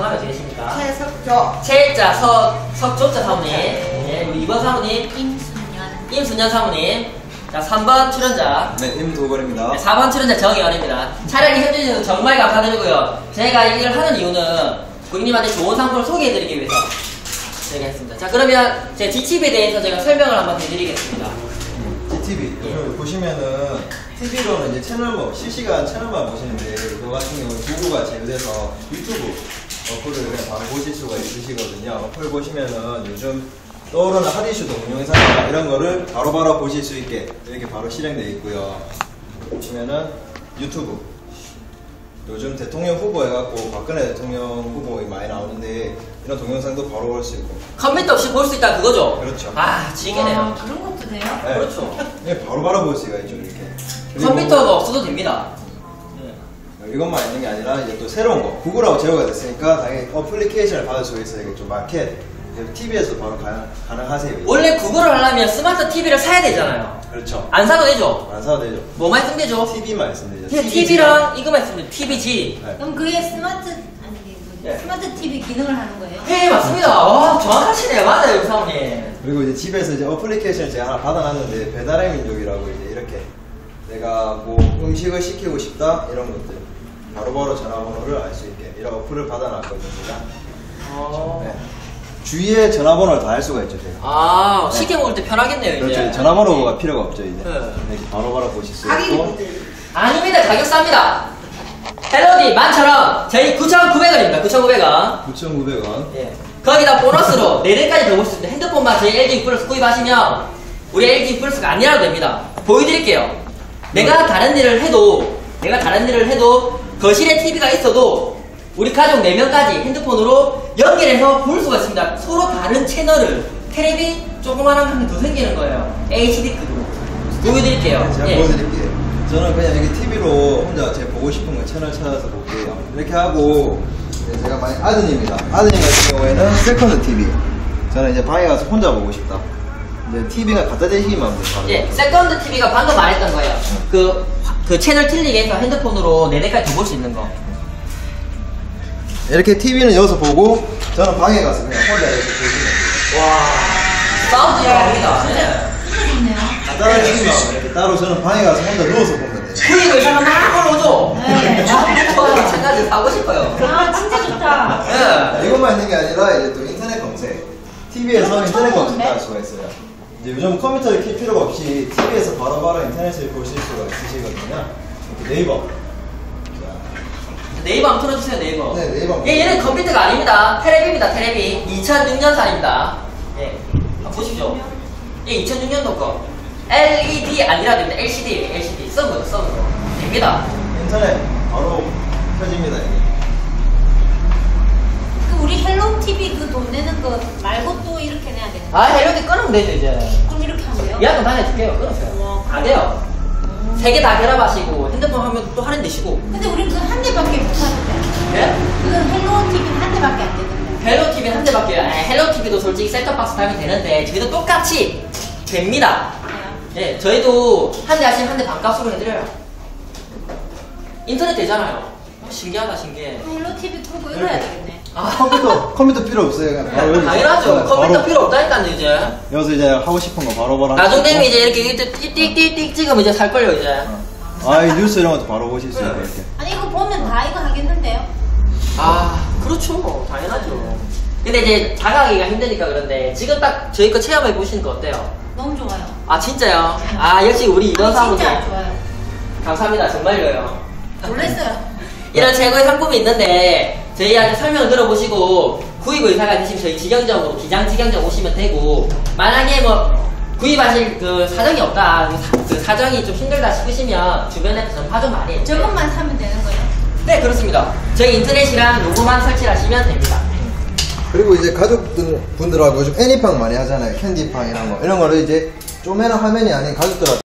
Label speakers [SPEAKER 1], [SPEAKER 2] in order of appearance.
[SPEAKER 1] 마음에 드십니까?
[SPEAKER 2] 최석조.
[SPEAKER 1] 최자 석조자 사모님. 네, 우리 2번 사모님. 임순년 사모님. 자, 3번 출연자.
[SPEAKER 3] 네, 임도건입니다.
[SPEAKER 1] 네, 4번 출연자 정혜원입니다. 촬영에 협조해주셔서 정말 감사드리고요. 제가 이걸 하는 이유는 고객님한테 좋은 상품을 소개해드리기 위해서 제가 했습니다. 자, 그러면 제 G팁에 대해서 제가 설명을 한번 해드리겠습니다.
[SPEAKER 3] GTV. 보시면은 TV로는 이제 채널만, 실시간 채널만 보시는데, 이거 같은 경우는 도구가 제휴돼서 유튜브 어플을 그냥 바로 보실 수가 있으시거든요. 어플 보시면은 요즘 떠오르는 핫이슈 동영상이나 이런 거를 바로바로 보실 수 있게 이렇게 바로 실행되어 있고요. 보시면은 유튜브. 요즘 대통령 후보 해갖고 박근혜 대통령 후보 많이 나오는데 이런 동영상도 바로 볼 수 있고.
[SPEAKER 1] 컴퓨터 없이 볼 수 있다 그거죠?
[SPEAKER 3] 그렇죠.
[SPEAKER 1] 아, 지게네요.
[SPEAKER 2] 그런 것도 돼요?
[SPEAKER 3] 네.
[SPEAKER 1] 그렇죠.
[SPEAKER 3] 네, 바로바로 볼 수가 있죠, 이렇게.
[SPEAKER 1] 컴퓨터가 없어도 됩니다.
[SPEAKER 3] 이것만 있는 게 아니라 이제 또 새로운 거 구글하고 제휴가 됐으니까 당연히 어플리케이션을 받을 수가 있어요. 이게 좀 마켓 TV에서 바로 가능하세요.
[SPEAKER 1] 원래 구글을 하려면 스마트 TV를 사야 되잖아요.
[SPEAKER 3] 그렇죠.
[SPEAKER 1] 안 사도 되죠?
[SPEAKER 3] 안 사도 되죠.
[SPEAKER 1] 뭐만 쓰면 되죠?
[SPEAKER 3] TV만 있으면 되죠.
[SPEAKER 1] 그냥 TV랑 이거만 쓰면 돼요. TVG.
[SPEAKER 3] 네.
[SPEAKER 2] 그럼 그게 스마트 스마트 TV 기능을 하는 거예요?
[SPEAKER 1] 네, 맞습니다. 와, 정확하시네요. 맞아요, 사모님.
[SPEAKER 3] 그리고 이제 집에서 이제 어플리케이션을 제가 하나 받아놨는데 배달의 민족이라고 이제 이렇게 내가 뭐 음식을 시키고 싶다 이런 것들 바로바로 전화번호를 알 수 있게 이런 어플을 받아놨거든요. 네. 주위에 전화번호를 다 알 수가 있죠, 제가.
[SPEAKER 1] 아,
[SPEAKER 3] 네.
[SPEAKER 1] 시켜 먹을 때 편하겠네요, 이제.
[SPEAKER 3] 그렇죠. 전화번호가 필요가 없죠, 이제.
[SPEAKER 1] 네.
[SPEAKER 3] 이렇게 바로바로 보실 수
[SPEAKER 2] 가격이
[SPEAKER 3] 있고.
[SPEAKER 2] 문제예요.
[SPEAKER 1] 아닙니다. 가격 쌉니다. 헬로디 11,000원. 저희 9,900원입니다. 9,900원.
[SPEAKER 3] 9,900원.
[SPEAKER 1] 예. 거기다 보너스로 4대까지 더 볼 수 있습니다. 핸드폰만 저희 LG 플러스 구입하시면 우리 LG 플러스가 아니라도 됩니다. 보여드릴게요. 내가 다른 일을 해도 거실에 TV가 있어도 우리 가족 4명까지 핸드폰으로 연결해서 볼 수가 있습니다. 서로 다른 채널을 테레비 조그만한 한 더 생기는 거예요. HD급으로 보여드릴게요.
[SPEAKER 3] 제가
[SPEAKER 1] 예.
[SPEAKER 3] 보여드릴게요. 저는 그냥 여기 TV로 혼자 제가 보고 싶은 거 채널 찾아서 볼게요. 이렇게 하고 이제 제가 만약 아드님이다. 아드님 같은 경우에는 세컨드 TV. 저는 이제 방에 가서 혼자 보고 싶다. 이제 TV가 갖다 대시기만 하면 돼요.
[SPEAKER 1] 예, 세컨드 TV가 방금 말했던 거예요. 그 채널 틀리게 해서 핸드폰으로 4대까지 더 볼 수 있는 거.
[SPEAKER 3] 이렇게 TV는 여기서 보고 저는 방에 가서 그냥 혼자 이렇게 보시면
[SPEAKER 1] 와, 사운드 잘합니다. 네.
[SPEAKER 2] 진짜 좋네요.
[SPEAKER 3] 간단하게 시기만 하면 이렇게 따로 저는 방에 가서 혼자 누워서 보면 돼요.
[SPEAKER 1] 수익 의사가 막 올라오죠?
[SPEAKER 2] 네.
[SPEAKER 1] 저도 마찬가지로 사고 싶어요.
[SPEAKER 2] 아 진짜 좋다.
[SPEAKER 1] 예.
[SPEAKER 3] 이것만 있는 게 아니라 이제 또 인터넷 검색. TV에서 인터넷 검색할 수가 있어요. 이제 요즘 컴퓨터를 킬 필요가 없이 TV에서 바로바로 인터넷을 보실 수가 있으시거든요. 이렇게 네이버.
[SPEAKER 1] 네이버 한번 틀어주세요, 네이버.
[SPEAKER 3] 네, 네이버.
[SPEAKER 1] 예, 얘는 컴퓨터가 아닙니다. 테레비입니다, 테레비. 2006년산입니다. 예. 한번 보십시오. 예, 2006년도 거. LED 아니라 됩니다. LCD. 서브. 됩니다.
[SPEAKER 3] 인터넷 바로 켜집니다. 이게.
[SPEAKER 2] 그 우리 헬로 TV 그 돈 내는 거 말고 또 이렇게 내야 되는 거?
[SPEAKER 1] 아, 이렇게 끊으면 되죠, 이제.
[SPEAKER 2] 그럼 이렇게 하면 돼요?
[SPEAKER 1] 예약금 다녀줄게요. 끊으세요. 안 돼요. 3개 다 결합하시고, 핸드폰 하면 또 할인되시고.
[SPEAKER 2] 근데 우린 그 한 대밖에 못 하는데.
[SPEAKER 1] 예?
[SPEAKER 2] 그건 헬로 TV는 한 대밖에 안 되는데.
[SPEAKER 1] 헬로 TV는 한 대밖에. 헬로 TV도 솔직히 셋톱박스 달면 되는데, 저희도 똑같이 됩니다.
[SPEAKER 2] 네.
[SPEAKER 1] 예, 저희도 한 대 하시면 한 대 반값으로 해드려요. 인터넷 되잖아요. 신기하다, 신기해.
[SPEAKER 2] 헬로 TV 끄고 이거 해야 되겠네.
[SPEAKER 1] 아,
[SPEAKER 3] 컴퓨터 필요 없어요. 그냥 바로 여기서
[SPEAKER 1] 당연하죠.
[SPEAKER 3] 바로
[SPEAKER 1] 컴퓨터 필요 없다니까요, 이제.
[SPEAKER 3] 여기서 이제 하고 싶은 거 바로바로
[SPEAKER 1] 나중 되면
[SPEAKER 3] 하시고.
[SPEAKER 1] 이제 이렇게 띡띡띡띡 찍으면 이제 살걸요, 이제.
[SPEAKER 3] 이 뉴스 이런 것도 바로 보실 수 있고 이렇게.
[SPEAKER 2] 아니 이거 보면 다 이거 하겠는데요?
[SPEAKER 1] 아, 그렇죠. 당연하죠. 근데 이제 다가가기가 힘드니까 그런데, 지금 딱 저희 거 체험해 보시는 거 어때요?
[SPEAKER 2] 너무 좋아요.
[SPEAKER 1] 아, 진짜요? 아, 역시 우리 이런 사람들.
[SPEAKER 2] 진짜 좋아요.
[SPEAKER 1] 감사합니다. 정말로요.
[SPEAKER 2] 놀랬어요.
[SPEAKER 1] 이런 최고의 상품이 있는데 저희한테 설명을 들어보시고 구입 의사가 되시면 저희 직영점으로 기장직영점 오시면 되고, 만약에 뭐 구입하실 그 사정이 없다, 그 사정이 좀 힘들다 싶으시면 주변에 전파 좀 많이 해요.
[SPEAKER 2] 저것만 사면 되는 거예요?
[SPEAKER 1] 네, 그렇습니다. 저희 인터넷이랑 요거만 설치하시면 됩니다.
[SPEAKER 3] 그리고 이제 가족분들하고 요즘 애니팡 많이 하잖아요. 캔디팡 이런 거. 이런 거를 이제 쪼매는 화면이 아닌 가족들하고